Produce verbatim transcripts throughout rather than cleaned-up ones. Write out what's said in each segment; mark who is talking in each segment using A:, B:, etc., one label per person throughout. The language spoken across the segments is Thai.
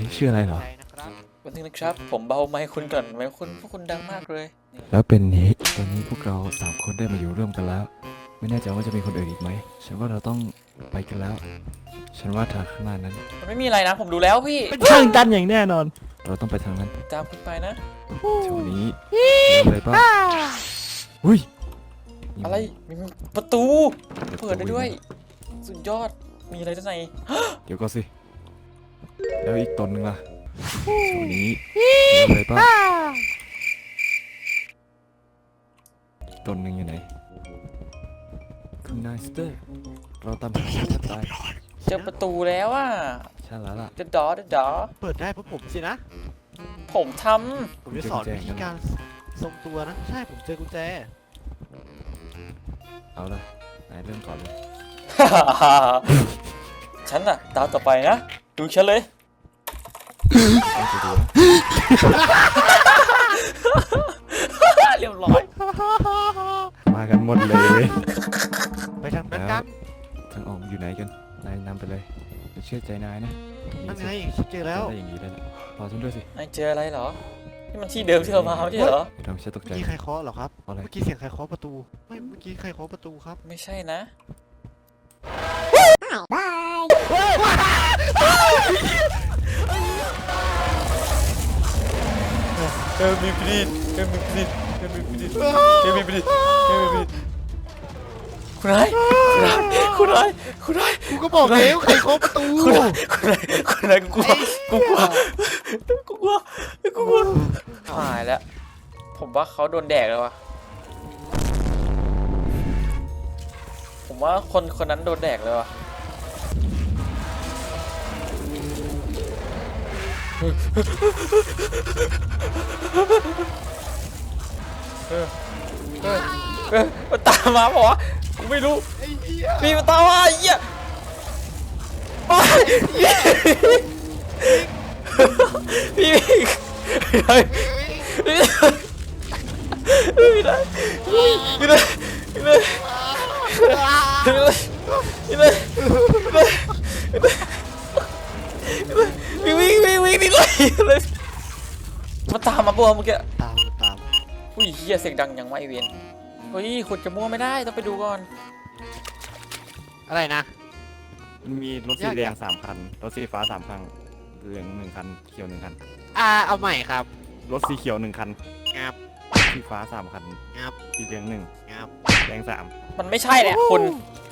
A: ชื่ออะไรเหรอ
B: วันนึงนะครับผมเบาไมค์คุณก่อนไมค์คุณพวกคุณดังมากเลย
A: แล้วเป็นนี้ตอนนี้พวกเราสามคนได้มาอยู่ร่วมกันแล้วไม่แน่ใจว่าจะมีคนอื่นอีกไหมฉันว่าเราต้องไปกันแล้วฉันว่าทางข้างหน้านั้น
B: มันไม่มีอะไรนะผมดูแล้วพี่
A: เป็นทางตันอย่างแน่นอนเราต้องไปทางนั้น
B: ตามคุณไปนะ
A: แถวนี้มีอะไรบ้างอุ้ย
B: อะไรมีประตูเปิดได้ด้วยสุดยอดมีอะไรด้านใน
A: เดี๋ยวก็สิแล้วอีกตนหนึ่งล่ะแถวนี้มีอะไรบ้างอีกตนหนึ่งอยู่ไหนคุณนายสเตอร์เราตามหาแทบตาย
B: เจอประตูแล้วอ่ะ
A: ใช่แล้วล่ะ
B: เดดอเดดอ
C: เปิดได้เพราะผมสินะ
B: ผมท
C: ผมจะสอนวิธีการทรงตัวนะใช่ผมเจอกุญแจ
A: เอาละนายเริ่มก่อนเลย
B: ฉันน่ะตามต่อไปนะดูฉันเลยเรียบร้อย
A: มากันหมดเลย
C: ไปทางนั้นกัน
A: ทางออกอยู่ไหนกันนายนำไปเลยจะเชื่อใจนายนะ
C: นั่นไงฉันเจอแล้ว
A: ได้อย่างนี้แล้วรอฉันด้วยสิ
B: นายเจออะไรเหรอนี่มันที่เดิมที่เรามาไม่ใช่เหรอ
A: ทำฉันตกใจ
C: เมื่อกี้ใครเคาะเหรอครับเมื่อกี้เสียงใครเคาะประตูไม่เมื่อกี้ใครเคาะประตูครับ
B: ไม่ใช่นะเออมีปริดเออมีปริดเออมีปริดเออมีปริดเออมีปริดคุณนายคุณนายคุณนายคุณนาย
C: กูก็บอกแล้วใครเคาะประตู
B: คุณนายคุณนายคุณนายกูกลัวกูกลัวกูกลัวกูกลัวหายแล้วผมว่าเขาโดนแดกแล้ววะผมว่าคนคนนั้นโดนแดกเลยวะเออเออเออมันตามมาเปล่าวะกูไม่รู้พี่มันตามมาไอ้เหี้ยพี่พี่ได้พี่ได้พี่ได้พี่ได้พี่ได้พี่วิ่งวิ่งวิ่งนี่เลยมาตามมาปะเมื่อกี้
C: ตามตาม
B: อุ้ยเฮียเสียงดังยังไม่เวียนเฮ้ยขุดจะมั่วไม่ได้ต้องไปดูก่อน
C: อะไรนะ
A: มีรถสีแดงสามคันรถสีฟ้าสามคันเหลืองหนึ่งคันเขียวหนึ่งคัน
C: อ่าเอาใหม่ครับ
A: รถสีเขียวหนึ่งคัน
C: งับ
A: สีฟ้าสามคัน
C: งับ
A: สีเหลืองหนึ่ง
C: งับ
A: แดงสาม
B: มันไม่ใช่แหละคุณ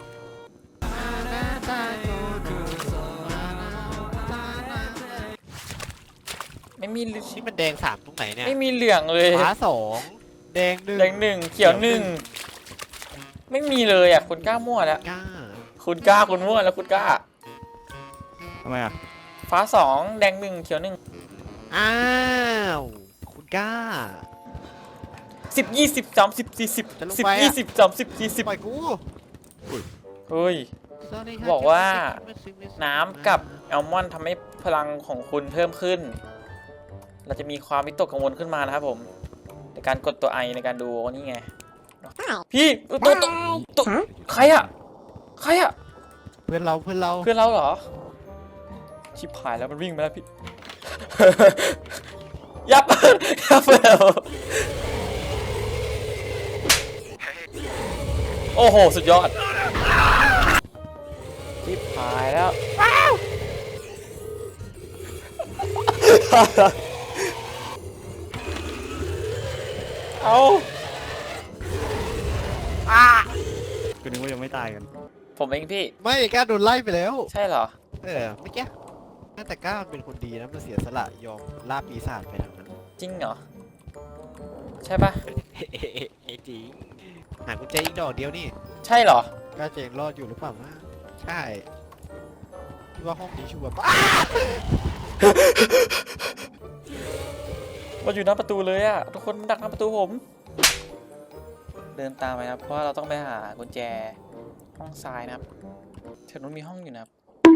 B: ไม่มี
C: นี่มันแดงสามตรงไหนเนี่ย
B: ไม่มีเหลืองเลย
C: ฟ้าสองแดงหนึ่ง
B: แดงหนึ่งเขียวหนึ่งไม่มีเลยอ่ะคุณกล้ามั่วแล้ว
C: กล้า
B: คุณกล้าคุณมั่วแล้วคุณกล้า
A: ทำไมอ่ะ
B: ฟ้าสองแดงหนึ่งเขียวหนึ่ง
C: อ้าวคุณกล้า
B: สิบยี่สิบสามสิบสี่สิบสิบยี่สิบสามสิบสี่สิบ
C: ปล่อยกู
B: เฮ้ยบอกว่าน้ำกับแอลมอนด์ทำให้พลังของคุณเพิ่มขึ้นเราจะมีความวิตกกังวลขึ้นมานะครับผมในการกดตัวไอในการดูนี่ไงพี่ตัวตัวตัวใครอะใครอะ
C: เพื่อนเราเพื่อนเรา
B: เพื่อนเราเหรอชิบหายแล้วมันวิ่งมาแล้วพี่ยับยับแล้วโอ้โหสุดยอดชิบหายแล้วเอา
A: ก็นึกว่ายังไม่ตายกัน
B: ผมเองพี่
C: ไม่กล้าโดนไล่ไปแล้ว
B: ใช่เหรอ
C: เออไม่แก่แต่กล้าเป็นคนดีนะมันเสียสละยอมล่าปีศาจไปทางนั้น
B: จริงเหรอใช่ปะ
C: เฮ้จริงหากุญแจอีกดอกเดียวนี่
B: ใช่เหร
C: อกล้าเจงรอดอยู่หรือเปล่านะใช่ที่ว่าห้องนี้ชัวร์
B: มาอยู่หน้าประตูเลยอะทุกคนดักหน้าประตูผมเดินตามไปครับเพราะว่าเราต้องไปหากุญแจห้องซ้ายนะครับแถวนู้นมีห้องอยู่นะครับ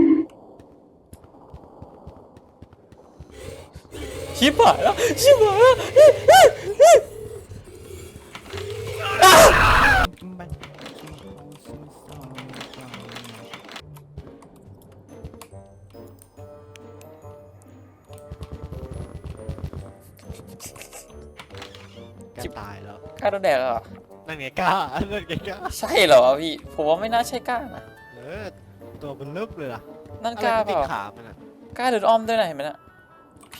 B: ชิบหายแล้วชิบหายแล้ว
C: กล้าตายแล้ว
B: กล้าโดนแดกเหรอ
C: นั่นไงกล้านั่นไงกล้า
B: ใช่เหรอพี่ ผมว่าไม่น่าใช่กล้านะ
C: เออตัวมันเลิกเลยล่ะ
B: นั่น
C: อะไร
B: กล้า
C: มัน
B: เป
C: ติด
B: ล่า
C: ขามันอะ
B: กล้าเดินอ้อมด้วยนะเห็นไหมนะพี่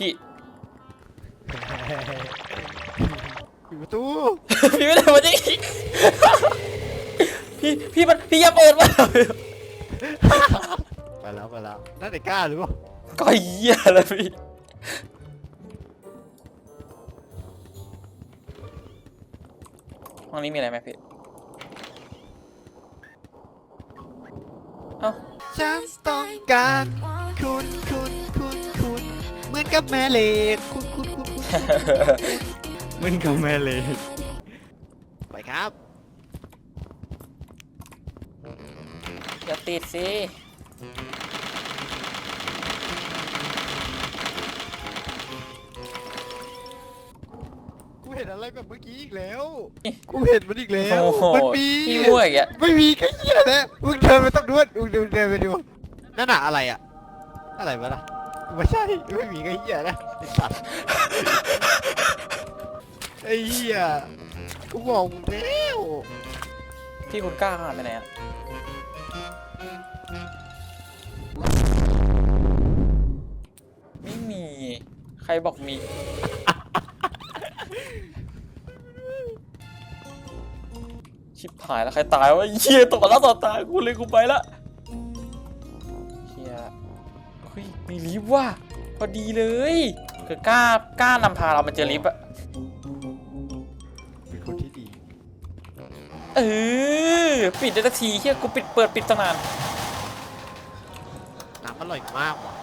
C: ปิดประตู
B: พี่ไม่ได้มาดิพี่พี่มันพี่อย่าเปิดมา
C: ไปแล้วไปแล้วนั่นไงกล้าหรือเปล่า
B: ก็เหี้ยเลยพี่ห้องนี้มีอะไรไหมพี่เอ้า
C: ฉันต้องการคุณคุณคุณคุณเหมือนกับแม่เหล็กคุณคุณคุณคุณ
A: มึนกับแม่เลย
C: ไปครับ
B: อย่าติดสิ
C: กูเห็นอะไรแบบเมื่อกี้อีกแล้ว กูเห็นมันอีกแล้ว
B: โอ้โห
C: มันมี
B: พี่มั่วอีกอ่ะ
C: ไม่มีแค่เหี้ยแล้วมึงเดินไปต้องดูมึงเดินเดินไปดูนั่นน่ะอะไรอะอะไรวะล่ะไม่ใช่ไม่มีแค่เหี้ยนะไอ้สัตว์ไอ้เหี้ยกูบอกมึงแล้ว
B: พี่คุณกล้าขนาดไปไหนอ่ะไม่มีใครบอกมี ชิบหายแล้วใครตายวะเหี้ยตกมาแล้วต่อตากูเลยกูไปละเหี้ยเฮ้ยมีลิฟต์ว่ะพอดีเลยคือกล้ากล้านำพาเรามาเจอลิฟต์อะ
C: เป็นคนที่ดี
B: เออปิดได้ทันทีเฮียกูปิดเปิดปิดตั้งนาน
C: น้ำอร่อยมากว่ะ